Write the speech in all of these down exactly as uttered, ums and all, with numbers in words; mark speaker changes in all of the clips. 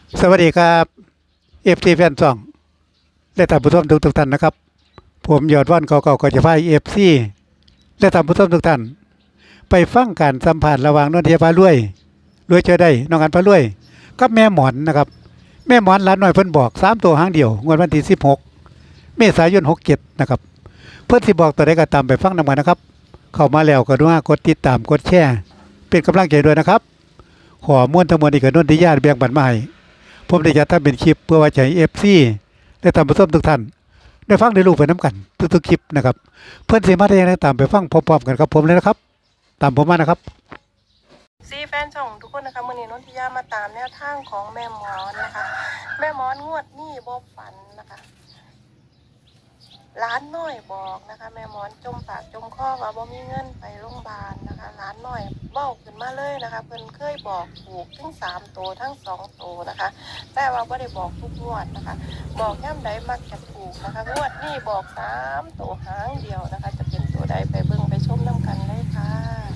Speaker 1: สวัสดีครับเอฟซีแฟนซองและท่านผู้ชมทุกทุกท่านนะครับผมยอดว่านเก่าๆก็จะพาเอฟซีและท่านผู้ชมทุกท่านไปฟังการสัมผัสระหว่างนนทยาพารวยรวยเจอได้น้องอันพารวยกับแม่หมอนนะครับแม่หมอนหลานน้อยเพิ่นบอกสามตัวหางเดียวงวดวันที่สิบหกเมษายนหกเจ็ดนะครับเพิ่นสิบอกตัวใดก็ตามไปฟังนำกันนะครับเข้ามาแล้วก็ด้วยกดติดตามกดแชร์เป็นกำลังใจด้วยนะครับขอม้วนทั้งมวลอีกกับนนทยาแบ่งปันมาให้ผมได้จัดทำเป็นคลิปเพื่อไว้ใจเอฟซีและท่านผู้ชมทุกท่านได้ฟังได้รู้ไปน้ำกันทุกๆคลิปนะครับเพื่อนสีมาได้ยังไงตามไปฟังพร้อมๆกันครับผมเลยนะครับตามผมมานะครับ
Speaker 2: ซีแฟนช่องทุกคนนะคะมื่อนี้นนทิยามาตามแนวทางของแม่หมอนนะคะแม่หมอนงวดนี่บ่ฝันนะคะร้านน้อยบอกนะคะแม่หมอนจมปากจมคอว่าบ่มีเงินไปโรงพยาบาลนะคะร้านน้อยเบ้าขึ้นมาเลยนะคะเพิ่นเคยบอกถูกทั้งสามตัวทั้งสองตัวนะคะแต่ว่าไม่ได้บอกทุกงวดนะคะบอกย่ำใดมักจะถูกนะคะงวดนี่บอกสามตัวหางเดียวนะคะจะเป็นตัวใดไปเบิ่งไปชมน้ำกันเลยค่ะ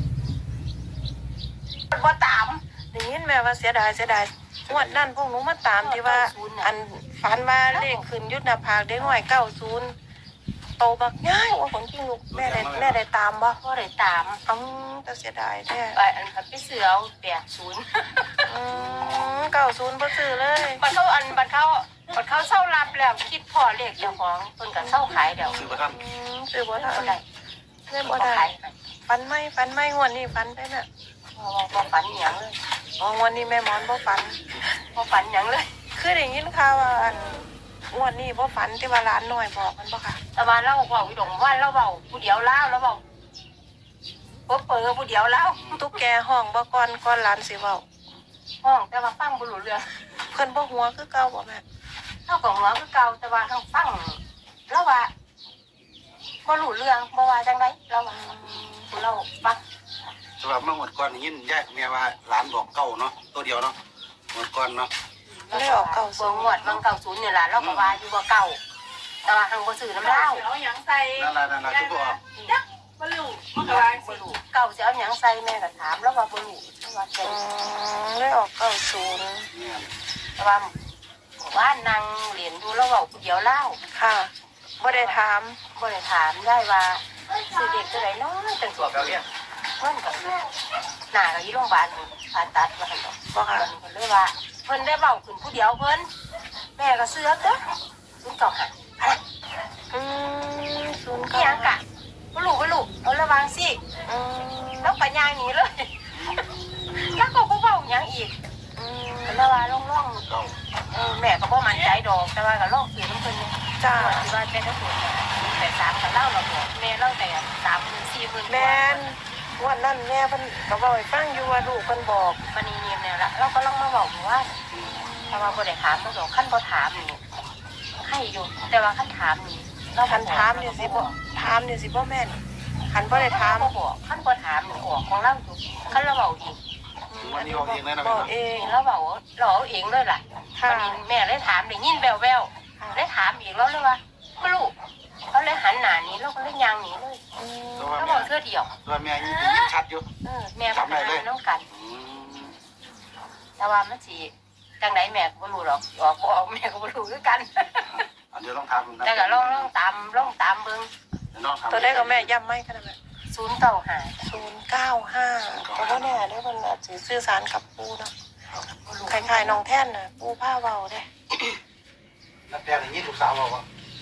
Speaker 2: บ่ตามได้ยินแม่ว่าเสียดายเสียดายงวดนั่นพวกหนูมาตามที่ว่าอันฝันว่าเลขขึ้นยุทธนาภาคเด็กน้อยเก้าศูนย์โตบักง่ายว่าคนจริงลูกแม่ได้แม่ได้ตามบ่
Speaker 3: ก็เลยตาม
Speaker 2: อืมแต่เสียดายแท้
Speaker 3: ไอ้อันพันไปเสือเอาแปดศูนย์
Speaker 2: อืมเก้าศูนย์บ่ซื้อเลย
Speaker 3: บัดเขาอันบัดเขาบัดเขาเศร้ารับแล้วคิดพอเลขเจ้าของเพิ่นก็เศร้าขายเดี๋ยว
Speaker 4: ซื้อบ่ทัน
Speaker 2: อืมซื้อบ่ทัน
Speaker 3: บ่ได้
Speaker 2: เล่นบ่ได้ฟันไม่ฟันไม่งวดนี้ฟันได้น่ะ
Speaker 3: บ่บ่ฝันหยังเลย
Speaker 2: อ๋องวดนี้แม่หมอนบ่ฟัน
Speaker 3: บ่ฝันหยังเลย
Speaker 2: คือได้ยินข่าวว่าอันงวดนี้บ่ฟันที่ว่าร้านน้อยบอกมันบ่ค่ะ
Speaker 3: แต่ว่าเราเว้าอยู่ดงว่าเราเว้าผู้เดียวลาวแล้วเว้าบ่เปิดผู้เดียวลาว
Speaker 2: ตุ๊กแกห้องบ่ก่อนก่อนร้านสิเว้า
Speaker 3: ห้องแต่ว่าฟังบ่รู้เรื่อง
Speaker 2: เพิ่นบ่หัวคือเก่าบ่แม่
Speaker 3: เฮาก็หัวคือเก่าแต่ว่าทางฟังแล้วว่าบ่รู้เรื่องบ่ว่าจังได๋เราว่าผู้เราฟัง
Speaker 4: สำหรับเมื่อหมดก่อนยินยายแม่ว่าหลานบอกเก่าเนาะตัวเดียวเนาะหมดก่อนเนาะ
Speaker 2: เลยออกเก่า
Speaker 3: เบิ่งงวดเบิ่งเก้าศูนย์นี่ล่ะเราก็ว่าอยู่ว่าเก่าแต่ว่าหังบ่ซื้อน้ำเหล้า
Speaker 5: เอาหยังใส่
Speaker 4: นั่นล่ะนั่นล่ะคือบ่ออก
Speaker 5: จักบ่รู้มันก็ว่า
Speaker 3: บ่
Speaker 5: สิ
Speaker 3: รู้เก่าสิเอาหยังใส่แม่ก็ถามแล้วว่าบ่รู้แล้วว่าใส่
Speaker 2: อืมเลยออกเก่าศูนย์
Speaker 4: เนี่ย
Speaker 3: แต่ว่าว่านางเรียนอยู่แล้วเว้าผู้เดียวเล่า
Speaker 2: ค่ะบ่ได้ถาม
Speaker 3: บ่ได้ถามได้ว่าสิเด็กตัวใดน้อยจัง
Speaker 4: สอบแล้วเนี่ย
Speaker 3: เพิ่นก็หน้าก็อยู่โรงพยาบาลผ่าตัดว่าซั่นดอก
Speaker 2: บ่ค่ะ
Speaker 3: เพิ่นเลยว่าเพิ่นได้เว้าขึ้นผู้เดียวเพิ่นแม่ก็เสือกเด้อศูนย์เก้าห้า
Speaker 2: อืมศูนย์
Speaker 3: อี
Speaker 2: เก้า
Speaker 3: หยังกะบ่รู้บ่รู้เอาระวังสิ
Speaker 2: อืม
Speaker 3: แล้วก็ย่างหนีเลย แล้วก็บ่เว้าหยังอีก
Speaker 2: อืม
Speaker 3: แล้วว่าล่อง
Speaker 4: เก่า
Speaker 3: ๆเออแม่ก็บ่มั่นใจดอกแต่ว่าก็ลองซื้อน้ำเพิ่นนี่
Speaker 2: จ้า
Speaker 3: ที่ว่าแต่ถ้าถูกเนี่ยแต่สามกับเล่าเราบอกแม่เล่าแต่สามหมื่นสี่หมื่น
Speaker 2: แม่นวันนั้นแม่เพิ่นก็เว้าให้ฟังอยู่ว่าลูกเพิ่นบอก
Speaker 3: มันนี่เนี่ยเนี่ยละเราก็ลองมาบอกว่าแต่ว่าบ่ได้ถามเราดอกขั้นบ่ถามนี่ให้อยู่แต่ว่าขั้นถามนี่เรา
Speaker 2: คันถามนี่สิบ่ถามนี่สิบ่แม่นคันบ่ได้ถาม
Speaker 3: บ่บอกขั้นบ่ถามนี่ออกของเราอยู่ขั้นเราเว้าอีก
Speaker 4: วันนี้ออกเองเลยนะ
Speaker 2: บ
Speaker 4: แม่
Speaker 2: อก
Speaker 4: เนาะ
Speaker 2: เอง
Speaker 3: เราเว้าเราเอาเองเลยล่ะ
Speaker 2: ค่ะ
Speaker 3: วันนี้แม่เลยถามได้ยินแววๆเลยถามอีกแล้วเลยว่าไม่รู้เขาเลยหันหน้าหนี้เราก็เลยย่างหนีเลย
Speaker 2: อืม
Speaker 4: ตัวว่า
Speaker 3: เขาบ
Speaker 4: แม่
Speaker 3: อกเสื้อเดียว
Speaker 4: ตัวแม่ยินยินชัดอยู่
Speaker 3: เออแม่ก็หาน้องกัน
Speaker 4: อืม
Speaker 3: แต่ว่ามันสิจังไหนแม่ก็บ่รู้หรอกออกบ่ออกแม่ก็บ่รู้คือกัน
Speaker 4: อันเดี๋ยวลองถามดูนะ
Speaker 3: แต่ก็ลองลองตามลองตามเบิ่ง
Speaker 4: เดี๋ยวลองถาม
Speaker 2: ตัวได้ก็แม่ย้ำไหมขนาดนั้น
Speaker 3: ศูนย์เก้าห้า
Speaker 2: ศูนย์เก้าห้าก็บ่แน่เด้อเพิ่นอาจสิสื่อสารกับปู่เนาะ
Speaker 3: บ่รู้
Speaker 2: คล้ายๆน้องแท่นน่ะปู่พาเว้าเด้
Speaker 4: นักแปลงอย่างนี้ลูกสาวบอกว่า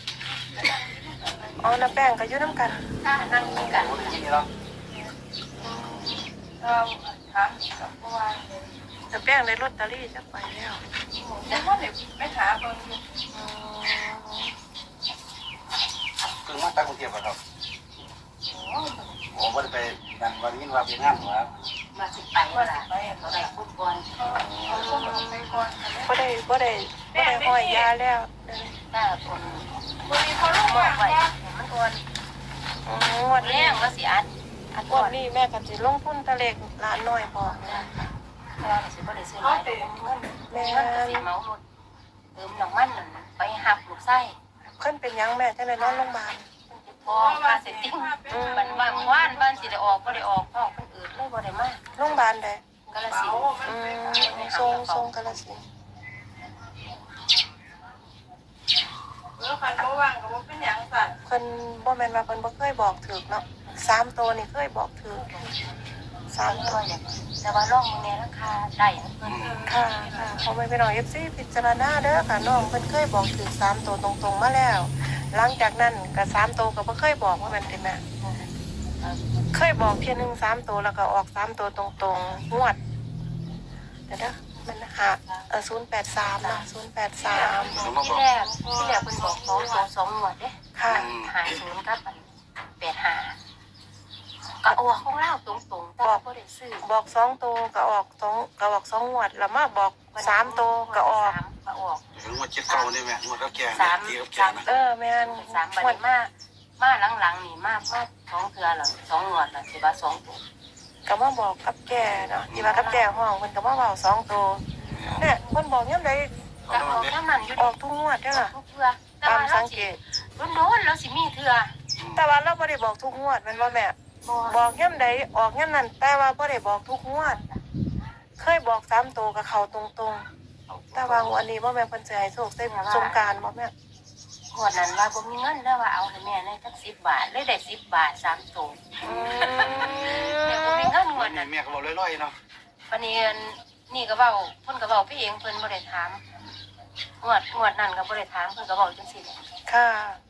Speaker 2: อ๋อน้าแป้งก็อยู่นำกัน
Speaker 3: ถ้านั่งกินกัน
Speaker 4: โอ้ยยินนี่เนาะ
Speaker 5: เราถามกับเพราะว่า
Speaker 2: น้าแป้งได้ลอตเตอรี่จักใบแล้ว
Speaker 5: เดี๋ยวว่าเดี๋ยวไปถามเบิ่งอยู่
Speaker 2: อืม
Speaker 4: เพิ่งมาตั้งกรุงเทพฯครับโอ้บ่ได้ไปนั่นวันนี้ว่าไปงานว่า
Speaker 3: มาสิไปว่าล่ะไปเขาได้ฟุตบอล
Speaker 5: เอาพวกมันไปก่อนค่ะ
Speaker 2: บ่ได้บ่ได้บ่ได้ห้อยยาแล้วเด้อ
Speaker 3: ถ้าคน
Speaker 5: บ่มีเขาลง
Speaker 3: บอ
Speaker 5: มาก
Speaker 3: ไว้
Speaker 5: ว่า
Speaker 3: ให้มันก่อน
Speaker 2: อืมงวด
Speaker 3: แร
Speaker 2: นี้
Speaker 3: กก็สิอัดอัด
Speaker 2: ง
Speaker 3: ก่
Speaker 2: ว
Speaker 3: อ
Speaker 2: ด
Speaker 3: น
Speaker 2: นี้แม่ก็สิลงทุนตะเล็กหลานน้อยพอนะ
Speaker 3: เพราะว่าสิบ่ได้ซื้อห
Speaker 5: เขา
Speaker 3: ลาย
Speaker 5: เตะ
Speaker 3: เงิน
Speaker 2: แม่
Speaker 3: เงินก็สิเมารถเติมน้ำมันนั่นน่ะไปหักลูกไส้
Speaker 2: เพิ่นเป็นหยังแม่จังได้นอนโรงพยาบาล
Speaker 3: พอค่าเสร็จติ้งมันว่างว่านบ้านสิได้ออกบ่ได้ออกห้องคนอื่นเลยบ่ได้มา
Speaker 2: โรงพยาบาลใด
Speaker 3: กาฬสินธุ์
Speaker 2: อืมทรงทรงกาฬสินธุ์
Speaker 5: เออคันบ่ว่างก็บ่เป็นหยังสั่น
Speaker 2: เพิ่นบ่แม่นว่าเพิ่นบ่เคยบอกถูกเนาะสามตัวนี่เคยบอกถูกสาม
Speaker 3: ตั
Speaker 2: ตัว ว
Speaker 3: เนี่ยแต่ว่าล่องมึงเนี่ยราคาได้เพิ่น
Speaker 2: ค่ะค่ะเขาไม่ไปหน่อย เอฟ ซี พิจารณาเด้อค่ะน้องเพิ่นเคยบอกถูกสามตัวตรงๆมาแล้ว หลังจากนั้นก็สามตัวก็บ่เคยบอกว่ามันเป็นแม่เคยบอกเพียงหนึงสามตัวแล้วก็ออกสามตัวตรงๆงวดเดี๋ยวนะมันหาเออศูนย์แปดสามนะศูนย์แปดสาม
Speaker 3: ที่แรกที่แรกเพิ่นบอกสองสองสองหนวดเด้
Speaker 2: ค่ะ
Speaker 3: หาศูนย์กับแปดหาก็ออกของเล่าตรงๆแต่ว่าบ่ได้ซื้อ
Speaker 2: บอกสองตัวก็ออกสองก็ออกสองงวดแล้วมาบอกสามตัวก็ออก
Speaker 3: สามก็ออก
Speaker 4: ถึงว่าเจ็ดเก้าได้ไหมงวดกับแก
Speaker 3: สาม
Speaker 4: ตีกับแก
Speaker 3: สาม
Speaker 4: นะ
Speaker 2: เออแม่น
Speaker 3: สามบัดนี้มามาหลังๆนี่มามาสองเทื่อแล้วสองหนวดแล้วสิว่าสองตัว
Speaker 2: ก็มาบอกกับแกเนาะที่ว่ากับแกห้องเพิ่นก็มาบอกสองตัวเนี่ยเพิ่นบอกยังไง
Speaker 3: ก็ออกน้ำมันอยู่
Speaker 2: ออกทุกงวดเด้อล่ะ
Speaker 3: ทุกเทื่อแต่
Speaker 2: ตาม
Speaker 3: ว่า
Speaker 2: สั
Speaker 3: เรา
Speaker 2: ง
Speaker 3: สิ
Speaker 2: เกต
Speaker 3: โดนๆเราสิมีเทื่อ
Speaker 2: แต่ว่าเราบ่ได้บอกทุกงวดแมันว่าแม่
Speaker 3: บ่
Speaker 2: บอกย่ำใดออกย่ำนั้นแต่ว่าบ่ได้บอกทุกงวด เคยบอกสามตัวกับเขาตรงๆ แต่ว่างวันนี้บ่แม่นเพิ่นสิให้โชคใส่สงกรานต์บ่แม่
Speaker 3: งวดนั้นว่าบ่มีเงินแล้วว่าเอาให้แม่ในจักสิบบาทเลยได้สิบบาทสามตัว
Speaker 2: อื
Speaker 3: แม่บ่มี
Speaker 2: ม
Speaker 3: เงินงวดนั้น
Speaker 4: แม่ก็บอกลอยๆเนาะ
Speaker 3: วันนี้นี่ก็เว้าเพิ่นก็เว้าพี่เองเพิ่นบ่ได้ถามงวดงวดนั้นก็บ่ได้ถามเพิ่นก็เว้าจังซี่แหละ
Speaker 2: ค่ะ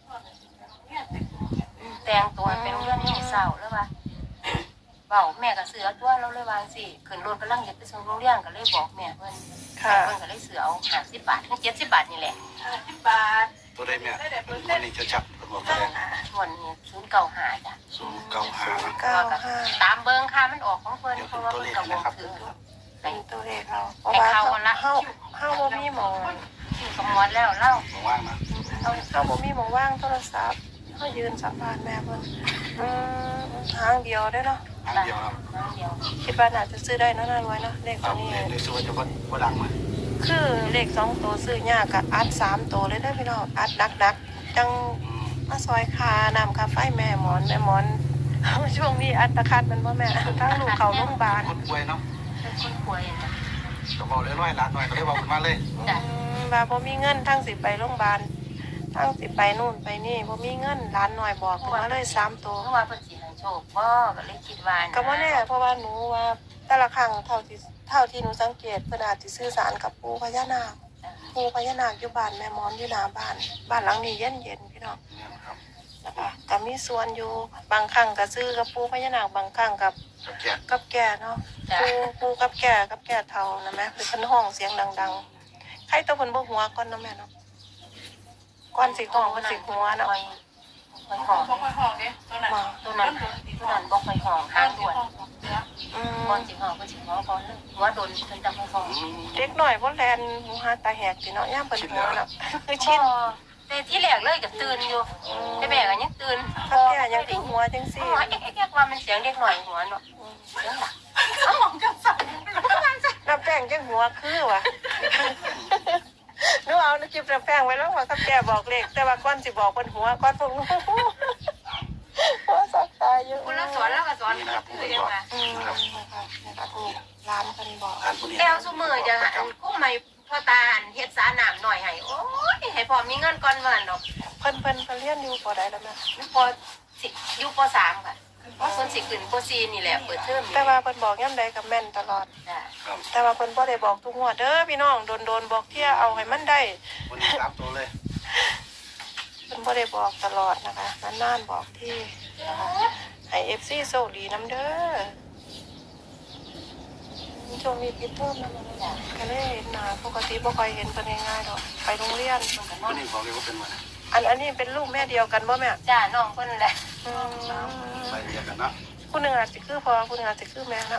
Speaker 3: แต่งตัวเป็นเรื่องนี้เศร้าแล้วว่าเว้าแม่ก็เสือตัวเราเลยว่าจังซี่ขึ้นรถกำลังจะไปส่งโรงเรียนก็เลยบอกแม่เพิ่น
Speaker 2: ค่ะ
Speaker 3: เพิ่นก็เลยเสือเอาห้าสิบบาทถึงเจ็ดสิบบาทนี่แหละ
Speaker 5: ห้าสิบบาท
Speaker 4: ตัวได้แม่วันนี้จะจับบอกตัวได้
Speaker 3: งวดนี้ศูนย์เก้าห้าจ้ะ
Speaker 4: ศูนย์เก้าห้า
Speaker 2: เก้าห้า
Speaker 3: ตามเบิ่งค่ามันออกของเพิ่นเพราะว่าเพิ่นก็บอกถือ
Speaker 2: เป็นตัวเลขเราเพราะว่าเฮาเฮาเฮาบ่มีหมอง
Speaker 3: ชื่อสมมติแล้วเล่า
Speaker 4: บอกว่างนะ
Speaker 2: เฮาเฮาบ่มีหมองว่างโทรศัพท์เฮายืนสัมภาษณ์แม่เพิ่นอืมทางเดียวเด้อเนาะ
Speaker 4: ทางเดียวครับ
Speaker 3: น้ำเดียว
Speaker 2: คิดว่าน่าจะซื้อได้เนาะน่ารวยเนาะเลข
Speaker 4: ค
Speaker 2: ตั
Speaker 4: รั
Speaker 2: ว
Speaker 4: บ
Speaker 2: นี้
Speaker 4: ในส่วนจะว่าว่าดังมา
Speaker 2: คือเลขสองตัวซื้อยากกับอัดสามตัวเลยได้อพี่น้องอัดดักๆจังมาซอยคานำคาไฟแม่หมอนแม่หมอน ช่วงนี้อัตคัดมันว่าแม่ทั้งลูกเขาโรงพยาบาล
Speaker 4: คนป่วยเนาะ
Speaker 3: เป็นคนป่วยนะ
Speaker 4: ก็บอกลอยๆหลานหน่อยก็ได้บอกมาเลย
Speaker 3: จ้ะ
Speaker 2: อืมว่าบ่มีเงินทั้งสิไปโรงพยาบาลทั้งสิไปนู่นไปนี่บ่มีเงินร้านหน่อยบอกมาเลยสามตัว
Speaker 3: เพราะว่าเพิ่นสิให้โชคบ่ก็เลยคิดว่านะ
Speaker 2: ก็บ่แน่เพราะว่าหนูว่าแต่ละครั้งเท่าที่เท่าที่หนูสังเกตเพิ่นอาจสิสื่อสารกับปู่พญานาคปู่พญานาคอยู่บ้านแม่หมอนอยู่หน้าบ้าน บ้านหลังนี้เย็นๆพี่น้อง
Speaker 4: เนี่ยครับ
Speaker 2: นะคะก็มีส่วนอยู่บางครั้งก็ซื้อกับปูพญานาคบางครั้งกับ
Speaker 4: กับแก
Speaker 2: กับแก่เนาะปูปูกับแก่กับแก่เท่านะแม่คือเพิ่นห้องเสียงดังๆใครตัวเพิ่นบ่หัวก่อนเนาะแม่เนาะก่อนสิห้องเพิ่นสิหัวเนาะ
Speaker 3: ค่อยค่อยห้อง
Speaker 5: บ่ค่อยห้องเด้ตัวนั้น
Speaker 2: มา
Speaker 3: ตัวนั้นตัวนั้นบ่ค่อยห้องหางด่วน
Speaker 2: อืม
Speaker 3: ก่อนสิห้องเพิ่นสิห้องก่อนเลยหัวโดนเพิ่นจะค่อยห้อง
Speaker 2: เด็กน้อยบ่แลนหูหาตาแหกสิเนาะยามเพิ่นหัวเนาะคือชิน
Speaker 3: แต่ที่แรกเลยก็ตื่นอยู่แต่แม่ก็ยังตื่น
Speaker 2: กับแก่ยังคือหัวจังซี่
Speaker 3: หัวเอ๊ะๆว่ามันเสียงเด็กหน่อยหัวเนาะเสียงหลัก
Speaker 5: ห้องจังสั่น
Speaker 2: น้ำแป้งจังหัวคือว่ะ หนูเอาน้ำจิ้มน้ำแป้งไว้แล้วว่ากับแก่บอกเลขแต่ว่าก่อนสิบอกเพิ่นหัวก่อนพวกหนูหัวสักตายอยู่
Speaker 3: คนละสอนแล้วก็สอนคือยังไง
Speaker 2: อืมนะคะนะคะนี่ร้านกันบอก
Speaker 4: ทานพวกนี้
Speaker 3: แก้วซุมือจะกุ้งไม่พ่อตาเฮ็ดสาน้ำหน่อยให้โอ้ยให้พอมีเงินก่อนวันดอก
Speaker 2: เพิ่นเพิ่นเพิ่นเรียนอยู่ปอใดแล้วแม่
Speaker 3: พอสิอยู่ปสามค่ะเพราะคนสิขึ้นปสี่นี่แหละเปิดเทอม
Speaker 2: แต่ว่าเพิ่นบอกย่ำใดกับแม่นตลอด
Speaker 3: จ้ะ
Speaker 4: ครับ
Speaker 2: แต่ว่าเพิ่นบ่ได้บอกทุกงวดเด้อพี่น้องโดนๆบอกเที่ยเอาให้มันได้
Speaker 4: วันนี้สามตัวเลย
Speaker 2: เพิ่นบ่ได้บอกตลอดนะคะนานๆบอกที่นะคะให้ เอฟ ซี โชคดีนํเด้อช่วงนี้ปิดเทอมแล้วมันก็เลยเห็นหน้าปกติบ่ค่อยเห็นเพิ่นง่ายๆดอกไปโรงเรียน
Speaker 3: มันก็นอ
Speaker 4: วัน นนี้บอกเลยว่าเป็นวัน
Speaker 2: อันอันนี้เป็นลูกแม่เดียวกันบ่แม่
Speaker 3: จ้าน้องเพิ่นแหละ
Speaker 2: อืม
Speaker 4: ไปเรียนกันเนาะ
Speaker 2: ผู้หนึงอาจสิคือพ่อผู้หนึงอาจสิคือแม่นะ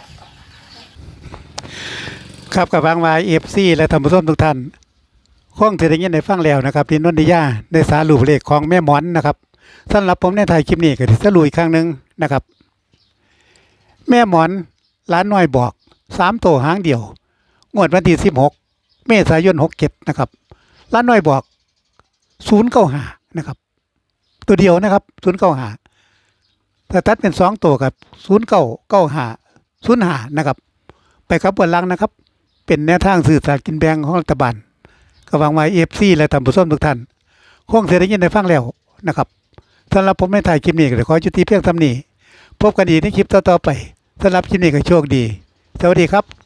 Speaker 1: ครับกับบางวายเอฟซีและท่านผู้ชมทุกท่านคงจะได้ยินได้ฟังแล้วนะครับที่นนทิยาได้สารุปเลขของแม่หมอนนะครับสำหรับผมในไทยคลิปนี้ก็จะสรุปอีกครั้งหนึ่งนะครับ แม่หมอนร้านน้อยบอกสามตัวหางเดียวงวดวันที่สิบหกเมษายนหกเจ็ดนะครับร้านน้อยบอกศูนย์เก้าหานะครับ ตัวเดียวนะครับศูนย์เก้าหาถ้าตัดเป็นสองตัวกับศูนย์เก้าเก้าหาศูนย์หานะครับ ไปครับบนลังนะครับ เป็นแนวทางสื่อสารกินแบ่งของรัฐบาลก็หวังว่าเอฟซีและท่านผู้ชมทุกท่านคงเสียได้ยินได้ฟังแล้วนะครับสำหรับผมในถ่ายคลิปนี้ก็ขอจุติเพียงเท่านี้พบกันอีกในคลิปต่อๆไปสำหรับคลิปนี้ก็โชคดีสวัสดีครับ